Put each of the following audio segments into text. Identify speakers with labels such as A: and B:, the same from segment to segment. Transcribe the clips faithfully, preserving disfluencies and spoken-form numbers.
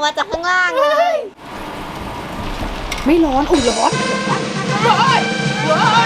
A: มาจากข้างล่างเลย
B: ไม่ร้อนอุ้ยร้อนร้อนร้อน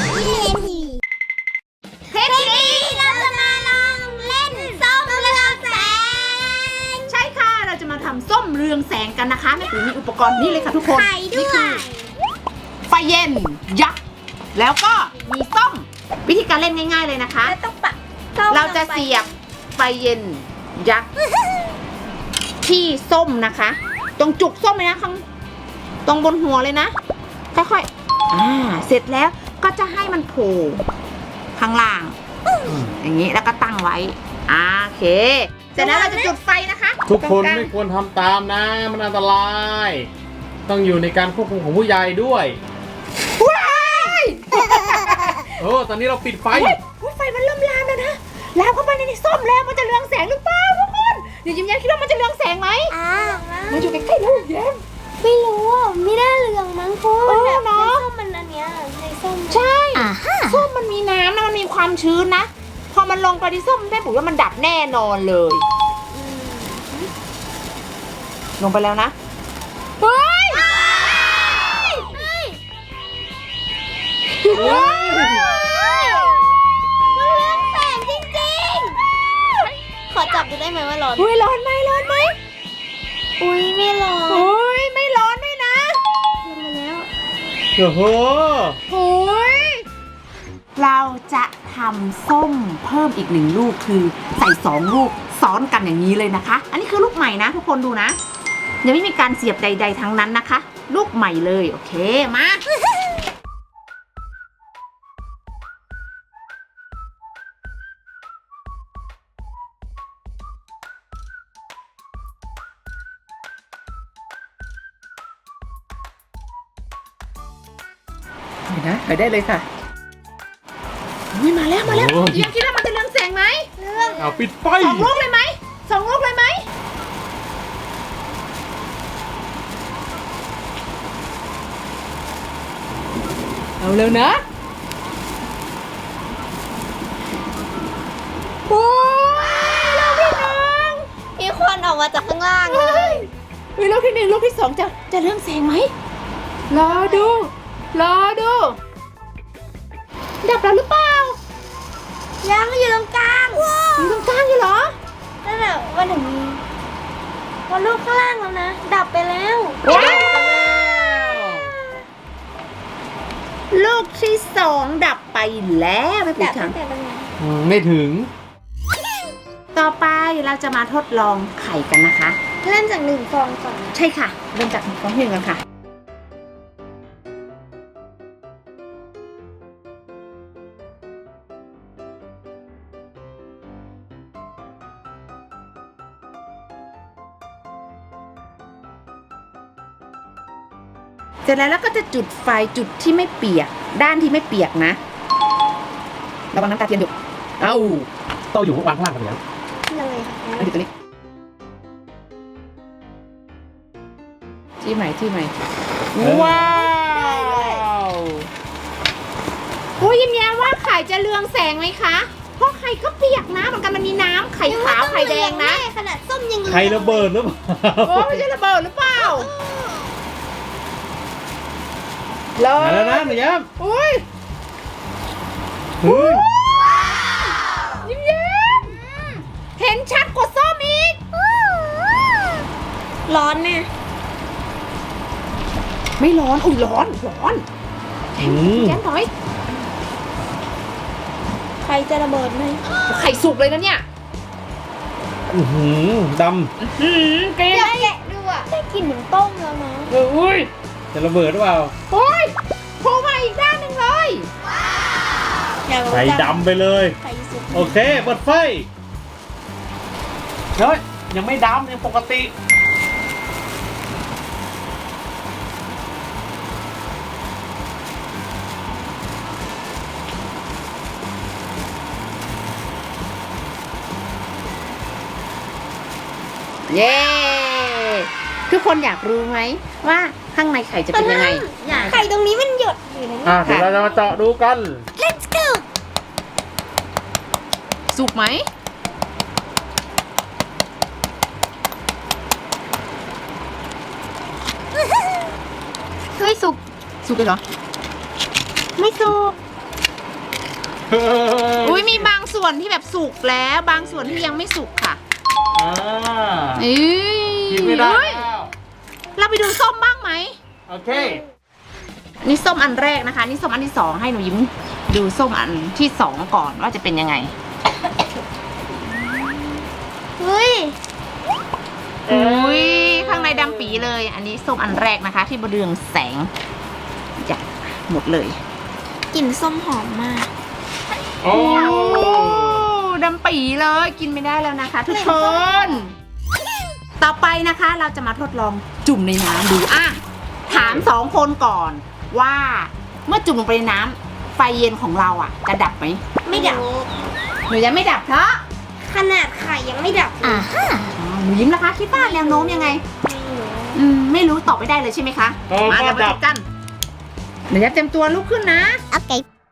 A: เทปนี้เราจะมาลองเล่นส้มเรืองแสง
B: ใช่ค่ะเราจะมาทำส้มเรืองแสงกันนะคะแม่ปุ๋ยมีอุปกรณ์นี่เลยค่ะทุกคน
A: ไข่ด้วย
B: ไฟเย็นยักษ์แล้วก็มีส้มวิธีการเล่นง่ายๆเลยนะคะ
A: แล้วต้องปะ
B: เราจะเสียบไฟเย็นยักษ์ที่ส้มนะคะตรงจุกส้มเลยนะข้างตรงบนหัวเลยนะค่อยๆอ่าเสร็จแล้วก็จะให้มันโผล่ข้างล่างอย่างนี้แล้วก็ตั้งไว้อ่าโอเคเสร็จแล้วเราจะจุดไฟนะคะ
C: ทุกคน
B: ตรงลาง
C: ไม่ควรทำตามนะมันอันตราย ต้องอยู่ในการควบคุมของผู้ใหญ่ด้วย
B: ว้าย
C: โอ้ตอนนี้เราปิดไฟ
B: อุ๊ยอุ๊ยไฟมันเริ่มลามแล้วนะลามเข้าไปในนี้ส้มแล้วมันจะเรืองแสงหรือเปล่าทุกคนเดี๋ยวยิ้มแย้มคิดว่ามันจะเรืองแสงไหม
A: อ่า
B: มาอยู่ใกล้ๆแล้วยิ้มแย้ม
A: ไม่รู้อ่ะไม่ได้เรืองมั้งคุณ
B: เออ
A: แบบใน
B: เนอะ
A: ส้มมันอันเนี้ยในส้ม
B: ใช่
A: อ่าฮะ
B: ส้มมันมีน้ำนะมันมีความชื้นนะพอมันลงไปที่ส้มแม่ปุ๋ยว่ามันดับแน่นอนเลย ลงไปแล้วนะเฮ้ยเฮ้ย
A: มันเรืองแสงจริงๆขอจับดูได้ไหมว่าร้อน
B: เฮ้ยร้อนไหมร้อนไหม
A: อุ้ยไม่ร้อน
B: เฮ้ยไม่ร้อนด้วยนะ
A: ลงมาแล้ว
C: โอ้โห
B: เฮ้ยเราจะทำส้มเพิ่มอีกหนึ่งลูกคือใส่สองลูกซ้อนกันอย่างนี้เลยนะคะ อันนี้คือลูกใหม่นะทุกคนดูนะยังไม่มีการเสียบใด ๆทั้งนั้นนะคะ ลูกใหม่เลยโอเคมาเห็นนะไปได้เลยค่ะอุ้ยมาแล้วมาแล้ว
C: โอ้ย
B: ยังคิดว่ามันจะเรืองแสงไหม
A: เรื่อง
C: เอาปิดไฟ
B: สองลูกเลยไหมสองลูกเลยไหมเอาเร็วนะโอ้ยลูกที่หนึ่ง
A: มีควันออกมาจากข้างล่างเล
B: เฮ้
A: ย
B: ยเฮ้ยลูกที่หนึ่งลูกที่สองจะจะเรืองแสงไหมรอดูรอดูดับแล้วหรือเปล่า
A: ยังอยู่ตรงกลาง
B: อยู่ตรงกลางอยู่เหรอ
A: นั่นแหละวันถึงมีวันลูกข้างล่างแล้วนะ ดับไปแล้ว
B: ว้าวลูกที่สองดับไปแล้วไม่ปิด
A: ดับ
B: ค่ะ
A: ตั้งแต่ตรงไหน
C: อืมไม่ถึง
B: ต่อไปเราจะมาทดลองไข่กันนะคะ
A: เริ่มจากหนึ่งฟองก่อนนะ
B: ใช่ค่ะ เริ่มจากฟองที่หนึ่งกันค่ะ เสร็จแล้วเราก็จะจุดไฟจุดที่ไม่เปียก ด้านที่ไม่เปียกนะระวังน้ำตาเทียนอยู่
C: เอ้าต้องอยู่วางข้างล่างกันแล้ว
A: เลยค่ะ
B: อันนี้ตัวนี้ที่ใหม่ที่ใหม่ว้าวโอ้ยยิ้มแย้มว่าไข่จะเรืองแสงไหมคะเพราะไข่ก็เปียกนะเหมือนกันมันมีน้ำไข่ขาวไข่แดงนะ
A: ขนาดส้มยังเหลือง
C: ใครระเบิดหรือเปล่า
B: โอ้ไม่ใช่ระเบิดหรือเปล่าเล
C: มาแล้วนะหนูย้
B: โอ้ย
C: ำเฮ้ย
B: ยิ้มแย้มเห็นชัดกว่าส้มอีก
A: ร้อนเนี่ย
B: ไม่ร้อนอุ้ยร้อนร้อน
C: อืม
B: แย้มถอย
A: ใครจะระเบิดไหม
B: ไข่สุกเลยนะเนี่ย
C: อื้อหือด
B: อืมเกลีย
A: เดี๋ยวแกะดูอ่ะได้กลิ่นเหมือนต้มแล้วนะ
B: เอ้ย
C: ำจะระเบิดหรือเปล่า
B: โอ้ยโผล่มาอีกด้านหนึ่งเลย
A: อยากรู้
C: ใส่
A: จัง
C: ดำไปเลย
A: ใครสุก
C: โอเคเปิดไฟเฮ้ยยังไม่ดำยังปกติ
B: เย้ทุกคนอยากรู้ไหมว่าข้างในไข่จะเป็นยังไง
A: ไข่ตรงนี้มันหยดอยู่นะ
C: อ่ะเดี๋ยวเราจะมาเจาะดูกัน
A: Let's go
B: สุกไหมสุกเลยเหรอ
A: ไม่สุก
B: อุ้ยมีบางส่วนที่แบบสุกแล้วบางส่วนที่ยังไม่สุกค่ะ
C: อ่า
B: เอ้ย
C: กินไม่ได้
B: เฮ้ย
C: แล้ว
B: เราไปดูส้มบ้างไหม
C: โอเค
B: นี่ส้มอันแรกนะคะ นี่ส้มอันที่สองให้หนูยิ้มดูส้มอันที่สองก่อนว่าจะเป็นยังไง
A: เฮ้ย
B: อุ้ยข้างในดำปีเลย อันนี้ส้มอันแรกนะคะ ที่บเรืองแสงจะหมดเลย
A: กลิ่นส้มหอมมาก
C: โอ้
B: โอ้ดำปีเลยกินไม่ได้แล้วนะคะทุกคน ต่อไปนะคะเราจะมาทดลองจุ่มในน้ำดูอ่ะถามสองคนก่อนว่าเมื่อจุ่มลงไปในน้ำไฟเย็นของเราอ่ะ จะดับไหม
A: ไม่ดับ
B: หนูยังไม่ดับเพราะ
A: ขนาดไข่ยังไม่ดับอ่ะ
B: อ๋อหนูยิ้มนะคะคิดว่าแนวโน้มยังไง อืมไม่รู้ตอบไม่ได้เลยใช่ไหมคะ
C: โอ้
B: มา
C: ก็
B: เรามา
C: ดั
B: ดู
C: บ
B: กันเดี๋ยวจะเต็มตัวลุกขึ้นนะ
A: โอเค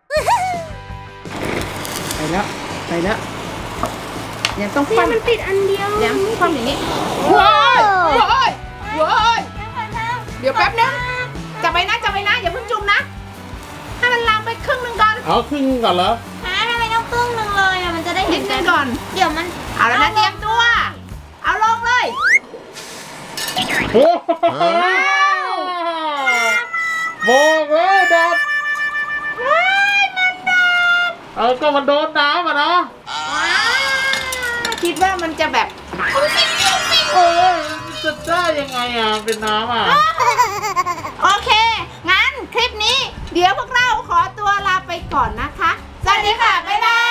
B: ไปแล้วไปแล้วยังต้องค
A: เนี่ย
B: ว่ำ
A: มันติดอันเดียว
B: ยังคว่ำอย่างนี้ว้ายว้ายว้ายเดี๋ยวแป๊บนึงจับไปนะจับไปนะอย่าเพิ่งจุ่มนะให้มันลามไปครึ่งหนึงก่อน
C: เอาครึ่งก่อนเหรอ
A: ฮะทำไมต้องครึ่งหนึงเลยอ่ะมันจะได้
B: นิ
A: เห็
B: ด
A: น
B: นึงก่อน
A: เดี๋ยวมัน
B: เอาแล้วนะเตรียมตัว เอาลงเลย
C: โอ้โหบอกเลยดับเออก็มันโดนน้ำอ่ะเนาะ
B: ว้าวคิดว่ามันจะแบบ
C: โอ้ยจะได้ยังไงอ่ะเป็นน้ำอ่ะ
B: โอเค งั้นคลิปนี้ เดี๋ยวพวกเราขอตัวลาไปก่อนนะคะ สวัสดีค่ะ บ๊ายบาย